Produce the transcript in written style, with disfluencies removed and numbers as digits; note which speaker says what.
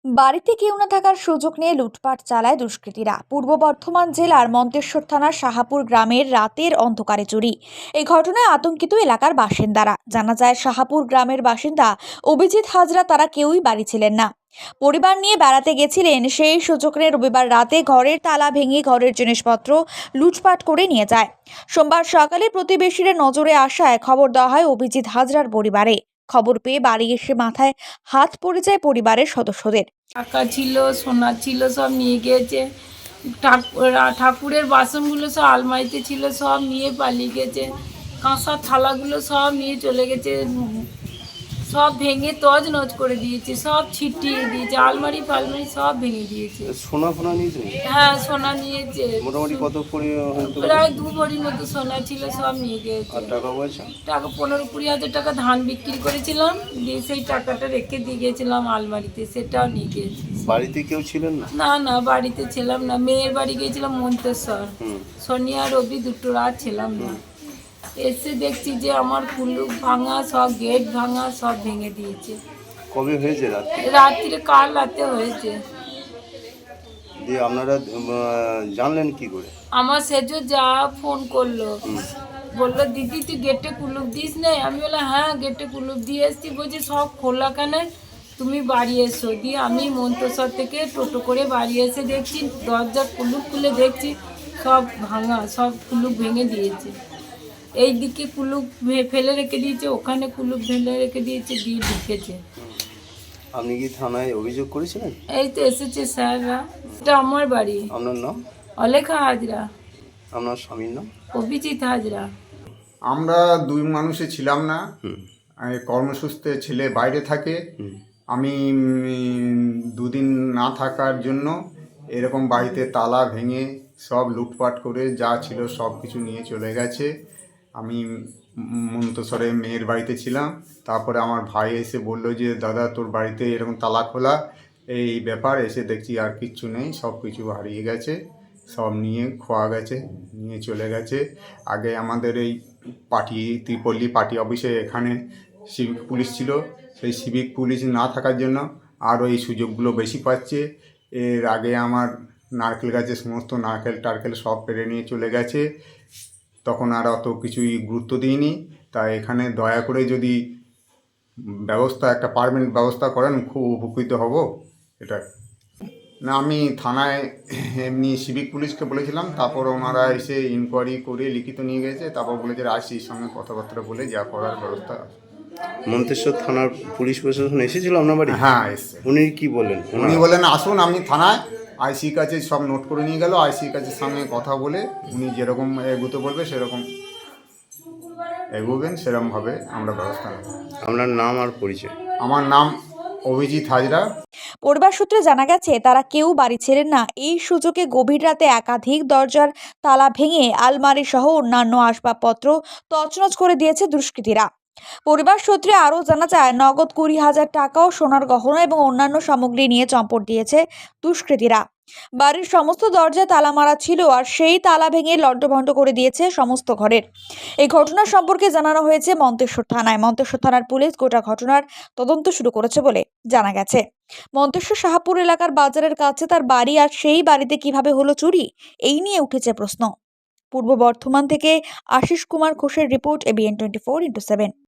Speaker 1: বাড়িতে কেউ না থাকার সুযোগ নিয়ে লুটপাট চালায় দুষ্কৃতীরা। পূর্ব বর্ধমান জেলার মন্তেশ্বর থানার শাহাপুর গ্রামের রাতের অন্ধকারে চুরি। এই ঘটনায় আতঙ্কিত এলাকার বাসিন্দারা। জানা যায়, শাহাপুর গ্রামের বাসিন্দা অভিজিৎ হাজরা তারা কেউই বাড়ি ছিলেন না। পরিবার নিয়ে বেড়াতে গেছিলেন। সেই সুযোগ নিয়ে রবিবার রাতে ঘরের তালা ভেঙে ঘরের জিনিসপত্র লুটপাট করে নিয়ে যায়। সোমবার সকালে প্রতিবেশীরা নজরে আসায় খবর দেওয়া হয় অভিজিৎ হাজরার পরিবারে। খবর পেয়ে বাড়ি এসে মাথায় হাত পড়ে যায় পরিবারের সদস্যদের।
Speaker 2: টাকা ছিল, সোনা ছিল, সব নিয়ে গিয়েছে। ঠাকুরের বাসনগুলো সব আলমারিতে ছিল, সব নিয়ে পালিয়ে গেছে। কাঁসার থালাগুলো সব নিয়ে চলে গেছে। সব ভেঙে তছনছ করে দিয়েছে, সব ছিটিয়ে দিয়েছে। আলমারি ফালমারি সব ভেঙে দিয়েছে।
Speaker 3: সোনা ফোনা নিয়েছে?
Speaker 2: হ্যাঁ, সোনা নিয়েছে।
Speaker 3: মোটামুটি কত
Speaker 2: প্রায় 2 ভরির মতো সোনা ছিল, সব নিয়ে গিয়েছে।
Speaker 3: আর টাকা পয়সা?
Speaker 2: টাকা 15-20 হাজার টাকা ধান বিক্রি করেছিলাম, দিয়ে সেই টাকাটা রেখে দিয়ে গেছিলাম আলমারিতে, সেটাও নিয়ে গিয়েছি।
Speaker 3: বাড়িতে কেউ ছিলেন না?
Speaker 2: না না, বাড়িতে ছিলাম না। মেয়ের বাড়ি গিয়েছিলাম মন্তেশ্বর। শনিবার রবি দুটো রাত ছিলাম না। এসে দেখছি যে আমার কুলুপ ভাঙা, সব গেট ভাঙা, সব ভেঙে দিয়েছে।
Speaker 3: কবে হয়েছে রাতে?
Speaker 2: রাত্রিরে, কাল রাতে হয়েছে।
Speaker 3: দিয়ে আপনারা জানলেন কি করে?
Speaker 2: আমার সেজো যা ফোন করলো, বললো দিদি তুই গেটে কুলুপ দিস নাই? আমি বললাম হ্যাঁ, গেটে কুলুপ দিয়ে এসছি। বলছি সব খোলা কেন, তুমি বাড়ি এসো। দিয়ে আমি মন্তেশ্বর থেকে টোটো করে বাড়ি এসে দেখছি দরজা কুলুপ খুলে দেখছি সব ভাঙা, সব কুলুপ ভেঙে দিয়েছে। এই দিকে কুলুপ ফেলে রেখে দিয়েছে, ওখানে কুলুপ ফেলে রেখে দিয়েছে, দিয়ে ঢুকেছে।
Speaker 3: আপনি কি থানায় অভিযোগ করেছিলেন?
Speaker 2: এই তো এসেছে স্যাররা। এটা আমার বাড়ি।
Speaker 3: আপনার নাম?
Speaker 2: অলেখা হাজরা।
Speaker 3: আপনার স্বামীর নাম?
Speaker 2: অভিজিৎ হাজরা।
Speaker 4: আমরা দুই মানুষে ছিলাম না। কর্মসূত্রে ছেলে বাইরে থাকে। আমি দুদিন না থাকার জন্য এরকম বাড়িতে তালা ভেঙে সব লুটপাট করে যা ছিল সব কিছু নিয়ে চলে গেছে। আমি মন্তেশ্বরে মেয়ের বাড়িতে ছিলাম। তারপরে আমার ভাই এসে বলল যে দাদা তোর বাড়িতে এরকম তালা খোলা, এই ব্যাপার। এসে দেখছি আর কিচ্ছু নেই, সব কিছু হারিয়ে গেছে, সব নিয়ে খোয়া গেছে, নিয়ে চলে গেছে। আগে আমাদের এই ত্রিপল্লী পার্টি অফিসে এখানে সিভিক পুলিশ ছিল। সেই সিভিক পুলিশ না থাকার জন্য আরও এই সুযোগগুলো বেশি পাচ্ছে। এর আগে আমার নারকেল গাছে সমস্ত নারকেল টারকেল সব পেরে নিয়ে চলে গেছে, তখন আর অত কিছুই গুরুত্ব দিইনি। তাই এখানে দয়া করে যদি একটা পারমানেন্ট ব্যবস্থা করেন খুব উপকৃত হব। এটা না, আমি থানায় এমনি সিভিক পুলিশকে বলেছিলাম, তারপর ওনারা এসে ইনকোয়ারি করে লিখিত নিয়ে গেছে। তারপর বলেছে আইসির সঙ্গে কথাবার্তা বলে যা করার ব্যবস্থা।
Speaker 3: মন্তেশ্বর থানার পুলিশ প্রশাসন এসেছিল আপনার বাড়ি?
Speaker 4: হ্যাঁ, এসছে।
Speaker 3: উনি কি বলেন?
Speaker 4: উনি বলেন আসুন আপনি থানায়। আইসির কাছে সব নোট করে নিয়ে গেল। আইসির কাছে সঙ্গে কথা বলে উনি যেরকম এগোতে বলবে সেরকম এগোবেন, সেরকমভাবে আমরা ব্যবস্থা নেব।
Speaker 3: আপনার নাম আর পরিচয়?
Speaker 4: আমার নাম অভিজিৎ হাজরা।
Speaker 1: পরিবার সূত্রে জানা গেছে, তারা কেউ বাড়ি ছিলেন না। এই সুযোগে গভীর রাতে একাধিক দরজার তালা ভেঙে আলমারি সহ অন্যান্য আসবাবপত্র তছনছ করে দিয়েছে দুষ্কৃতীরা। পরিবার সূত্রে আরও জানা যায়, নগদ 20,000 টাকা ও সোনার গহনা এবং অন্যান্য সামগ্রী নিয়ে চম্পট দিয়েছে দুষ্কৃতীরা। বাড়ির সমস্ত দরজায় তালা মারা ছিল, আর সেই তালা ভেঙে লণ্ডভণ্ড করে দিয়েছে সমস্ত ঘরের। এই ঘটনা সম্পর্কে জানানো হয়েছে মন্তেশ্বর থানায়। মন্তেশ্বর থানার পুলিশ গোটা ঘটনার তদন্ত শুরু করেছে বলে জানা গেছে। মন্তেশ্বর শাহাপুর এলাকার বাজারের কাছে তার বাড়ি, আর সেই বাড়িতে কিভাবে হলো চুরি, এই নিয়ে উঠেছে প্রশ্ন। পূর্ব বর্ধমান থেকে আশিস কুমার ঘোষের রিপোর্ট, ABN 24x7।